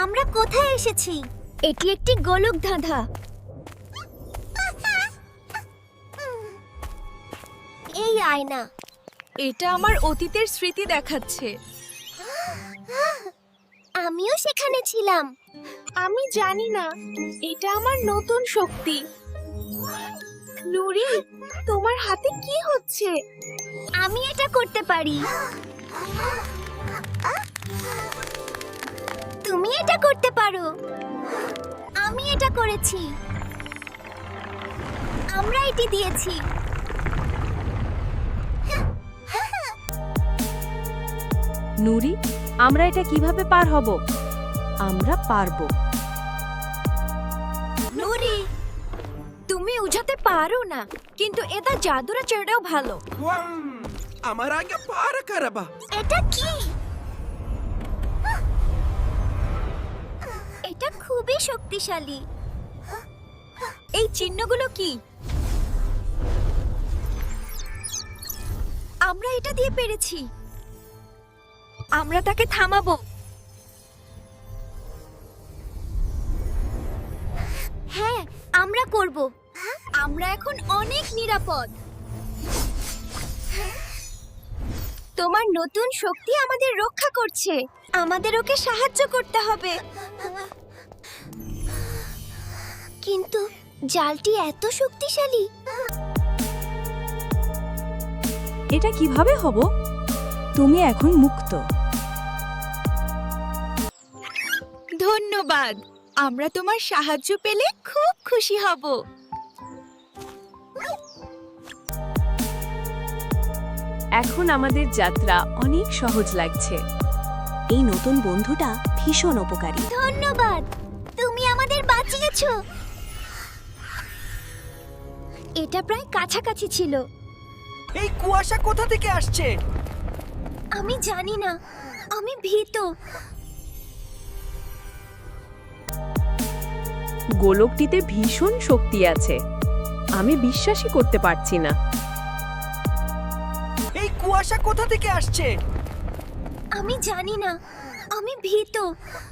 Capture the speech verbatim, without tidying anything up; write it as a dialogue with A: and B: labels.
A: আমরা কোথায় এসেছি? এটি একটি গোলক ধাঁধা। এই আয়না।
B: এটা আমার অতীতের স্মৃতি দেখাচ্ছে।
A: আমিও সেখানে ছিলাম।
B: আমি জানি না, এটা আমার নতুন শক্তি। নুরি, তোমার হাতে কি হচ্ছে?
A: আমি এটা করতে পারি। তুমি এটা করতে পারো। আমি এটা করেছি। আমরা এটি দিয়েছি।
C: নুরি, আমরা এটা কিভাবে পার হব? আমরা পারবো।
B: নুরি, তুমি উঠাতে পারো না, কিন্তু এটা জাদুরা চেড়েও ভালো।
D: আমার আগে পার করবা।
A: এটা কি? এটা খুবই শক্তিশালী।
B: এই চিহ্নগুলো কি? আমরা এটা দিয়ে পেরেছি। আমরা তাকে থামাবো।
A: হ্যাঁ, আমরা করব।
B: আমরা এখন অনেক নিরাপদ। তোমার নতুন শক্তি আমাদের রক্ষা করছে। আমাদের ওকে সাহায্য করতে হবে।
A: কিন্তু জালটি এত শক্তিশালী।
C: এটা কিভাবে হব? তুমি এখন মুক্ত।
B: ধন্যবাদ। আমরা তোমার সাহায্য পেলে খুব খুশি হব।
C: এখন আমাদের যাত্রা অনেক সহজ লাগছে। এই নতুন বন্ধুটা ভীষণ উপকারী।
A: ধন্যবাদ, তুমি আমাদের বাঁচিয়েছো। এটা প্রায় কাছাকাছি ছিল।
D: এই কুয়াশা কোথা থেকে আসছে?
A: আমি জানি না, আমি ভীত।
C: গোলকটিতে ভীষণ শক্তি আছে। আমি বিশ্বাসই করতে পারছি না।
D: এই কুয়াশা কোথা থেকে আসছে?
A: আমি জানি না, আমি ভীত।